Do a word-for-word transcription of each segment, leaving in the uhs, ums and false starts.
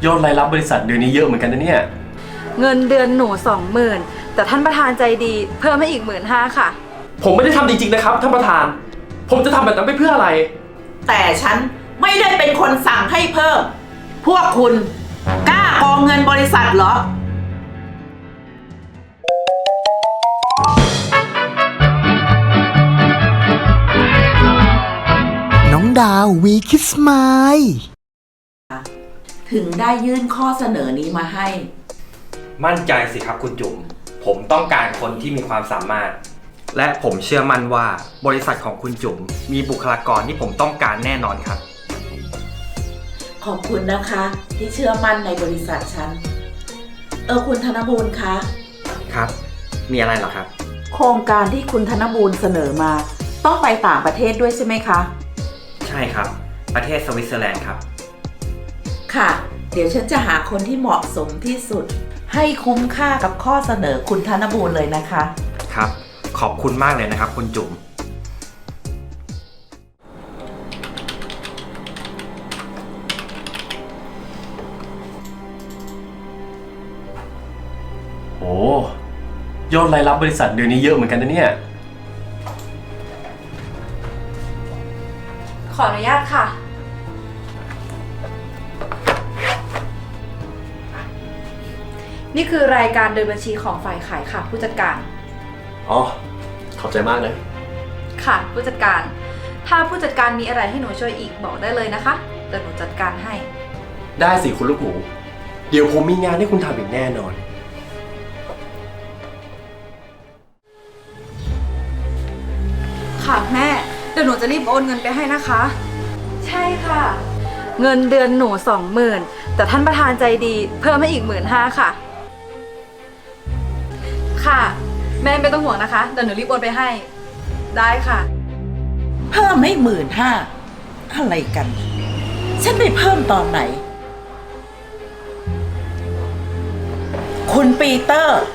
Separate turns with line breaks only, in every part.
ยอดรายรับบริษัทเดือนนี้เยอะเหมือนกันนะเนี่ย
เงินเดือนหนูสองหมื่นแต่ท่านประธานใจดีเพิ่มให้อีกหมื่นห้าค่ะ
ผมไม่ได้ทำจริงๆนะครับท่านประธานผมจะทำแบบนั้นไปเพื่ออะไร
แต่ฉันไม่ได้เป็นคนสั่งให้เพิ่มพวกคุณกล้าโกงเงินบริษัทเหรอ
น้องดาววีคิสไมล์
ถึงได้ยื่นข้อเสนอนี้มาให้
มั่นใจสิครับคุณจุ๋มผมต้องการคนที่มีความสามารถและผมเชื่อมั่นว่าบริษัทของคุณจุ๋มมีบุคลากรที่ผมต้องการแน่นอนครับ
ขอบคุณนะคะที่เชื่อมั่นในบริษัทฉันเออคุณธนบูรณ์คะ
ครับมีอะไรเหรอครับ
โครงการที่คุณธนบูรณ์เสนอมาต้องไปต่างประเทศด้วยใช่ไหมคะ
ใช่ครับประเทศสวิตเซอร์แลนด์ครับ
ค่ะเดี๋ยวฉันจะหาคนที่เหมาะสมที่สุดให้คุ้มค่ากับข้อเสนอคุณธนบูรณ์เลยนะคะ
ครับขอบคุณมากเลยนะครับคุณจุ๋ม
โอ้ยอดรายรับบริษัทเดือนนี้เยอะเหมือนกันนะเนี่ย
ขออนุญาตค่ะนี่คือรายการเดินบัญชีของฝ่ายขายค่ะผู้จัดการ
อ๋อขอบใจมากนะ
ค่ะผู้จัดการถ้าผู้จัดการมีอะไรให้หนูช่วยอีกบอกได้เลยนะคะเดี๋ยวหนูจัดการให้
ได้สิคุณลูกหมูเดี๋ยวผมมีงานให้คุณทำอีกแน่นอน
ค่ะแม่เดี๋ยวหนูจะรีบโอนเงินไปให้นะคะใช่ค่ะเงินเดือนหนูสองหมื่นแต่ท่านประธานใจดีเพิ่มให้อีกหมื่นห้าค่ะค่ะแม่ไม่ต้องห่วงนะคะเดี๋ยวหนูรีบโอนไปให้ได้ค่ะ
เพิ่มไม่หมื่นห้าอะไรกันฉันไปเพิ่มตอนไหนคุณปีเตอร์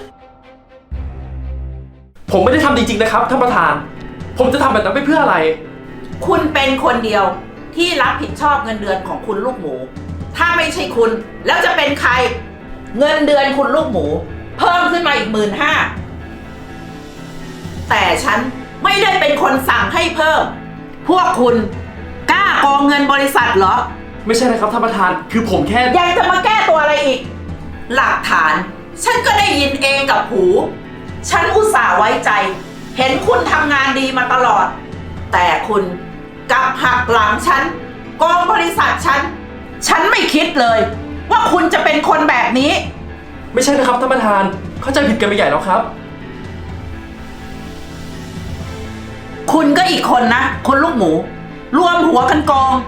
ผมไม่ได้ทำจริงๆนะครับท่านประธานผมจะทำแบบนั้นไปเพื่ออะไร
คุณเป็นคนเดียวที่รับผิดชอบเงินเดือนของคุณลูกหมูถ้าไม่ใช่คุณแล้วจะเป็นใครเงินเดือนคุณลูกหมูเพิ่มขึ้นมาอีกหมื่นห้าแต่ฉันไม่ได้เป็นคนสั่งให้เพิ่มพวกคุณกล้าโกงเงินบริษัทเหรอ
ไม่ใช่นะครับท่านประธานคือผมแค่
ยังจะมาแก้ตัวอะไรอีกหลักฐานฉันก็ได้ยินเองกับหูฉันอุตส่าห์ไว้ใจเห็นคุณทำงานดีมาตลอดแต่คุณกลับหักหลังฉันโกงบริษัทฉันฉันไม่คิดเลยว่าคุณจะเป็นคนแบบนี้
ไม่ใช่นะครับท่านประธานเข้าใจผิดกันไปใหญ่แล้วครับ
คุณก็อีกคนนะคนลูกหมูรวมหัวกันโกง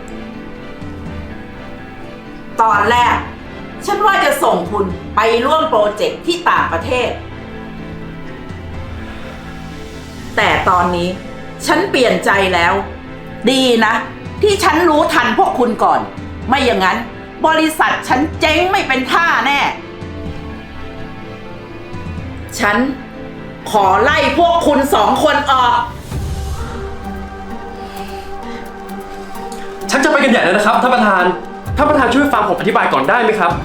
ตอนแรกฉันว่าจะส่งคุณไปร่วมโปรเจกต์ที่ต่างประเทศแต่ตอนนี้ฉันเปลี่ยนใจแล้วดีนะที่ฉันรู้ทันพวกคุณก่อนไม่อย่างนั้นบริษัทฉันเจ๊งไม่เป็นท่าแน่ฉันขอไล่พวกคุณสองคนออก
ฉันจะไปกันใหญ่แล้วนะครับท่านประธานท่านประธานช่วยฟังผมอธิบายก่อนได้ไหมครับ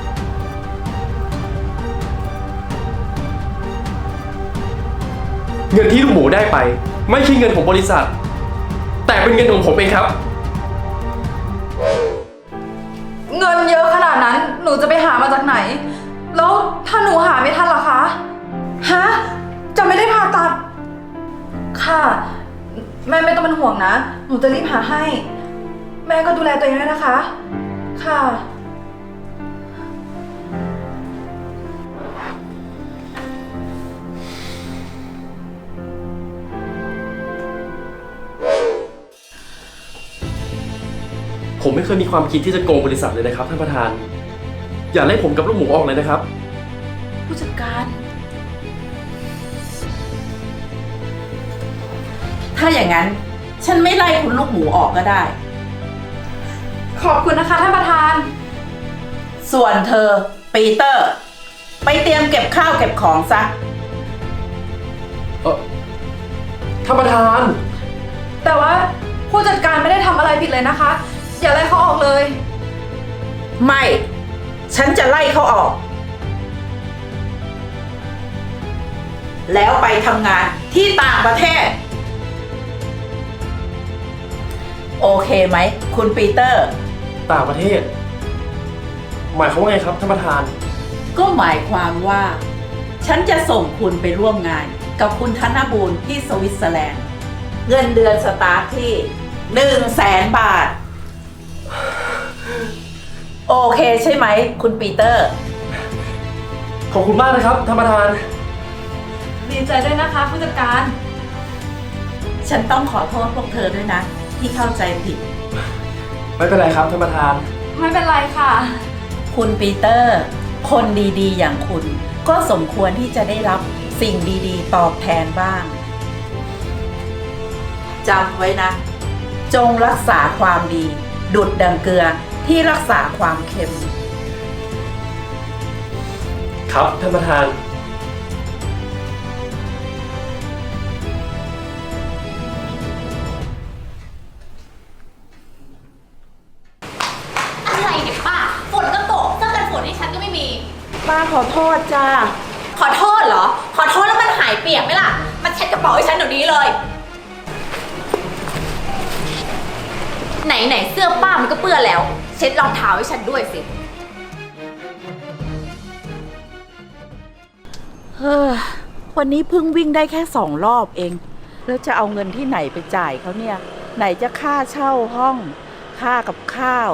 เงินที่ลูกหมูได้ไปไม่ใช่เงินของบริษัทแต่เป็นเงินของผมเองครับ
เงินเยอะขนาดนั้นหนูจะไปหามาจากไหนแล้วถ้าหนูหาไม่ทันล่ะคะฮะจะไม่ได้ผ่าตัดค่ะแม่ไม่ต้องเป็นห่วงนะหนูจะรีบหาให้แม่ก็ดูแลตัวเองด้วยนะคะค่ะ
ผมไม่เคยมีความคิดที่จะโกงบริษัทเลยนะครับท่านประธานอย่าไล่ผมกับลูกหมูออกเลยนะครับ
ผู้จัดการถ้าอย่างนั้นฉันไม่ไล่คุณลูกหมูออกก็ได้
ขอบคุณนะคะท่านประธาน
ส่วนเธอปีเตอร์ไปเตรียมเก็บข้าวเก็บของซะ
เออท่านประธาน
แต่ว่าผู้จัดการไม่ได้ทำอะไรผิดเลยนะคะอย่าไล่เขาออกเลย
ไม่ ฉันจะไล่เขาออก แล้วไปทำงานที่ต่างประเทศ โอเคไหม คุณปีเตอร์
ต่างประเทศ หมายความว่าไงครับท่านประธาน
ก็หมายความว่า ฉันจะส่งคุณไปร่วมงานกับคุณธนบูรณ์ที่สวิตเซอร์แลนด์ เงินเดือนสตาร์ทที่หนึ่งแสนบาท โอเคใช่ไหม คุณปีเตอร์
ขอบคุณมากนะครับท่านประธาน
ดีใจด้วยนะคะผู้จัดการ
ฉันต้องขอโทษพวกเธอด้วยนะ ที่เข้าใจผิด
ไม่เป็นไรครับท่านประธาน
ไม่เป็นไรค่ะ
คุณปีเตอร์ คนดีๆ อย่างคุณ ก็สมควรที่จะได้รับสิ่งดีๆ ตอบแทนบ้างจำไว้นะ จงรักษาความดี ดุดดังเกลือที่รักษาความเค็ม
ครับท่านประธาน
อะไรเนี่ยป้าฝนก็ตกเสื้อกันฝนให้ฉันก็ไม่มี
ป้าขอโทษจ้า
ขอโทษเหรอ ขอโทษแล้วมันหายเปียกไหมล่ะ มันเช็ดกระเป๋าให้ฉันเดี๋ยวนี้เลย ไหนไหนๆเสื้อป้ามันก็เปื้อนแล้ว เช็ดรองเท้าให้ฉันด้วยสิ
เฮ้อวันนี้เพิ่งวิ่งได้แค่สองรอบเอง แล้วจะเอาเงินที่ไหนไปจ่ายเขาเนี่ย ไหนจะค่าเช่าห้อง ค่ากับข้าว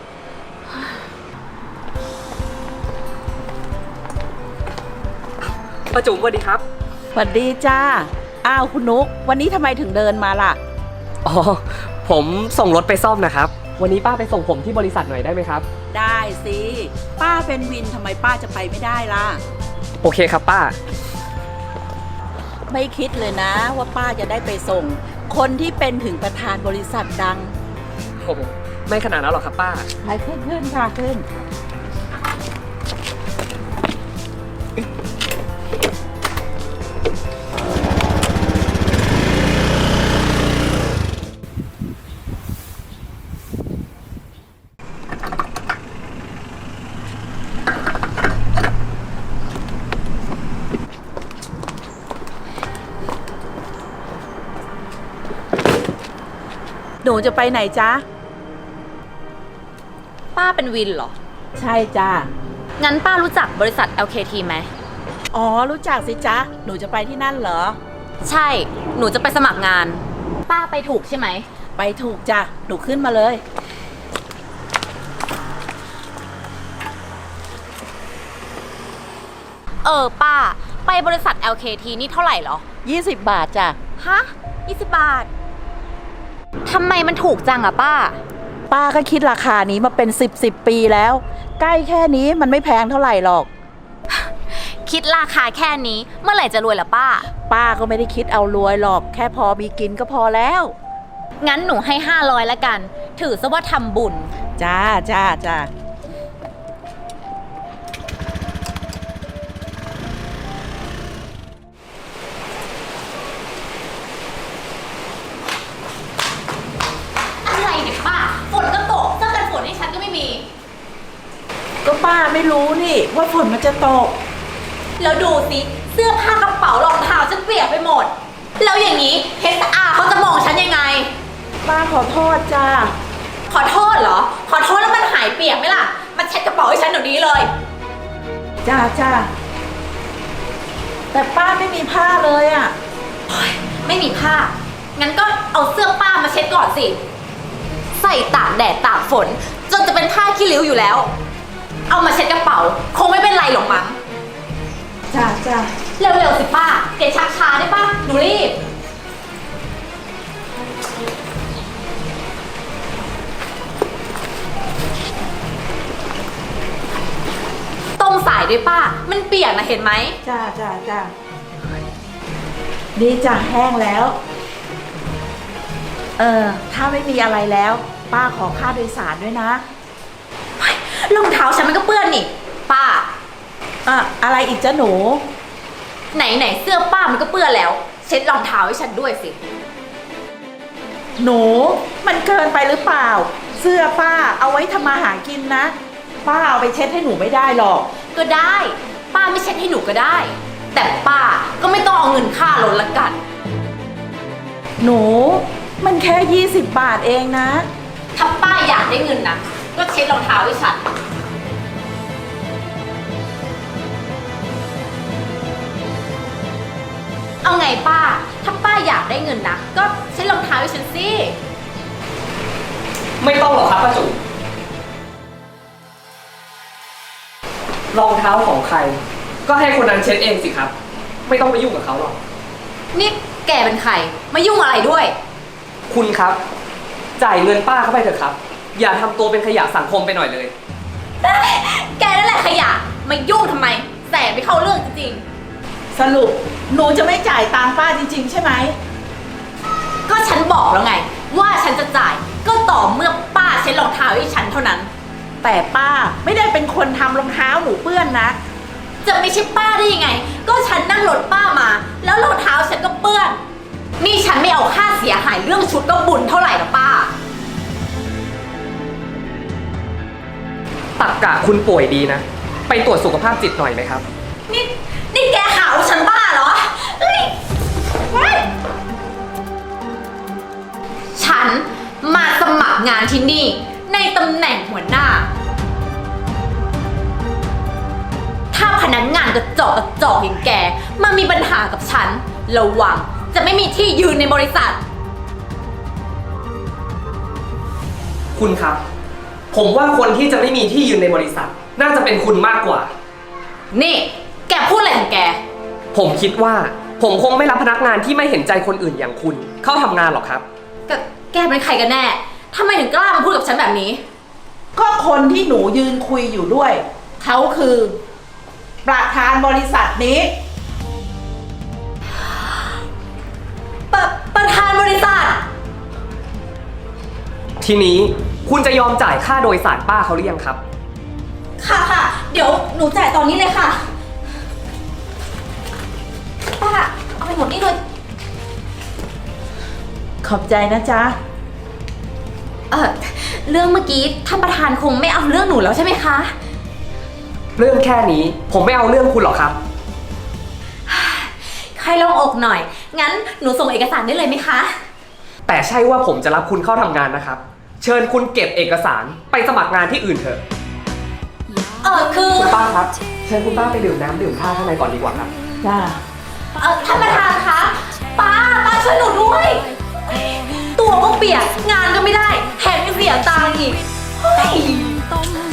ป้าจุ๋มสวัสดีครับ
สวัสดีจ้า อ้าวคุณนุก วันนี้ทำไมถึงเดินมาล่ะ
อ๋อ ผมส่งรถไปซ่อมนะครับ วันนี้ป้าไปส่งผมที่บริษัทหน่อยได้ไหมครับ
ได้สิ ป้าเป็นวินทำไมป้าจะไปไม่ได้ล่ะ
โอเคครับป้า
ไม่คิดเลยนะว่าป้าจะได้ไปส่ง คนที่เป็นถึงประธานบริษัทดัง
โอ้โหไม่ขนาดนั้นหรอกครับป้า
ไปขึ้นขึ้นค่ะขึ้น หนูจะไปไหนจ๊ะ
ป้าเป็นวินเหรอ
ใช่จ้า
งั้นป้ารู้จักบริษัท แอล เค ที ไหม
อ๋อ รู้จักสิจ๊ะ หนูจะไปที่นั่นเหรอ
ใช่ หนูจะไปสมัครงาน ป้าไปถูกใช่ไหม
ไปถูกจ้ะ หนูขึ้นมาเลย
เออป้า ไปบริษัท แอล เค ที นี่เท่าไหร่เหรอ
ยี่สิบบาทจ้ะ
ฮะยี่สิบบาท ทำไมมันถูกจังอะป้า
ป้าก็คิดราคานี้มาเป็นสิบสิบปีแล้ว ใกล้แค่นี้มันไม่แพงเท่าไหร่หรอก
คิดราคาแค่นี้ เมื่อไหร่จะรวยล่ะป้า
ป้าก็ไม่ได้คิดเอารวยหรอก แค่พอมีกินก็พอแล้ว
งั้นหนูให้ห้าร้อยละกัน ถือซะว่าทำบุญ
จ้าจ้าจ้า
อะไรเนี่ยป้า ฝนก็ตกเสื้อกันฝนให้ฉันก็ไม่มี
ก็ป้าไม่รู้นี่ว่าฝนมันจะตก
แล้วดูสิ เสื้อผ้ากระเป๋ารองเท้าฉันเปียกไปหมด แล้วอย่างนี้ เอส อาร์ เขาจะมองฉันยังไง
ป้าขอโทษจ้า
ขอโทษเหรอ ขอโทษแล้วมันหายเปียกไหมล่ะ มันเช็ดกระเป๋าให้ฉันเดี๋ยวนี้เลย
จ้าจ้า แต่ป้าไม่มีผ้าเลยอ่ะ
ไม่มีผ้า งั้นก็เอาเสื้อป้ามาเช็ดก่อนสิ ใส่ตากแดดตากฝน จนจะเป็นผ้าขี้ริ้วอยู่แล้ว เอามาเช็ดกระเป๋า คงไม่เป็นไรหรอกมั้ง
จ้าจ้า
เร็วๆสิป้าเกดชักช้าได้ป้าหนูรีบ ตรงสายด้วยป้า มันเปียกนะเห็นไหม
จ้าจ้าจ้าดีจ้ะแห้งแล้ว เออ ถ้าไม่มีอะไรแล้ว ป้าขอค่าโดยสารด้วยนะ
รองเท้าฉันมันก็เปื้อนนี่ ป้า
อ่ะ อะไรอีกจ้ะหนู
ไหนไหนๆเสื้อป้ามันก็เปื้อนแล้ว เช็ดรองเท้าให้ฉันด้วยสิ
หนู มันเกินไปหรือเปล่า เสื้อป้าเอาไว้ทำมาหากินนะป้าเอาไปเช็ดให้หนูไม่ได้หรอก
ก็ได้ ป้าไม่เช็ดให้หนูก็ได้ แต่ป้าก็ไม่ต้องเอาเงินค่ารถละกัน
หนูมันแค่ยี่สิบบาทเองนะ
ถ้าป้าอยากได้เงินนะก็เช็ดรองเท้าให้ฉัน เอาไงป้า ถ้าป้าอยากได้เงินนะก็เช็ดรองเท้าให้ฉันสิ
ไม่ต้องหรอกครับป้าจุ๋มรองเท้าของใคร ก็ให้คนนั้นเช็ดเองสิครับ ไม่ต้องไปยุ่งกับเขาหรอก
นี่แกเป็นใครมายุ่งอะไรด้วย
คุณครับ จ่ายเงินป้าเข้าไปเถอะครับ อย่าทำตัวเป็นขยะสังคมไปหน่อยเลย
แกนั่นแหละขยะมายุ่งทำไมแสบไปเข้าเรื่องจริง
สรุปหนูจะไม่จ่ายตังค์ป้าจริงๆใช่ไหม
ๆก็ฉันบอกแล้วไง ว่าฉันจะจ่ายก็ต่อเมื่อป้าเช็ดรองเท้าให้ฉันเท่านั้น
แต่ป้าไม่ได้เป็นคนทำรองเท้าหนูเปื้อนนะ
จะไม่ใช่ป้าได้ยังไง ก็ฉันนั่งรถป้ามา แล้วรองเท้าฉันก็เปื้อน นี่ฉันไม่เอาค่าเสียหายเรื่องชุดก็บุญเท่าไหร่หรอป้า
ตักกะคุณป่วยดีนะ ไปตรวจสุขภาพจิตหน่อยไหมครับ
นี่นี่แกหาว่าฉันบ้าเหรอเฮ้ยเฮ้ยฉันมาสมัครงานที่นี่ในตำแหน่งหัวหน้า ถ้าพนักงานกระจอกกระจอกอย่างแกมามีปัญหากับฉันระวังจะไม่มีที่ยืนในบริษัท
คุณครับ ผมว่าคนที่จะไม่มีที่ยืนในบริษัท น่าจะเป็นคุณมากกว่า
นี่ แกพูดอะไรของแก
ผมคิดว่า ผมคงไม่รับพนักงานที่ไม่เห็นใจคนอื่นอย่างคุณ เข้าทำงานหรอกครับ
แกแกเป็นใครกันแน่ทำไมถึงกล้ามาพูดกับฉันแบบนี้
ก็คนที่หนูยืนคุยอยู่ด้วย เขาคือ ประธานบริษัทนี้
ปะประธานบริษัท
ทีนี้คุณจะยอมจ่ายค่าโดยสารป้าเขาหรือยังครับ
ค่ะค่ะเดี๋ยวหนูจ่ายตอนนี้เลยค่ะ ป้าเอาไปหมดนี่เลย
ขอบใจนะจ๊ะ
เออเรื่องเมื่อกี้ท่านประธานคงไม่เอาเรื่องหนูแล้วใช่ไหมคะ
เรื่องแค่นี้ผมไม่เอาเรื่องคุณหรอกครับ
ใครลองอกหน่อย งั้นหนูส่งเอกสารได้เลยไหมคะ
แต่ใช่ว่าผมจะรับคุณเข้าทำงานนะครับ เชิญคุณเก็บเอกสารไปสมัครงานที่อื่นเถอะ
เออคือ
คุณป้าครับ เชิญคุณป้าไปดื่มน้ำดื่มท่าข้างในก่อนดีกว่าครับ
จ้า
เออท่านประธานคะป้าป้าช่วยหนูด้วย ตัวก็เปียกงานก็ไม่ได้แถมยังเสียตังค์อีกเฮ้ย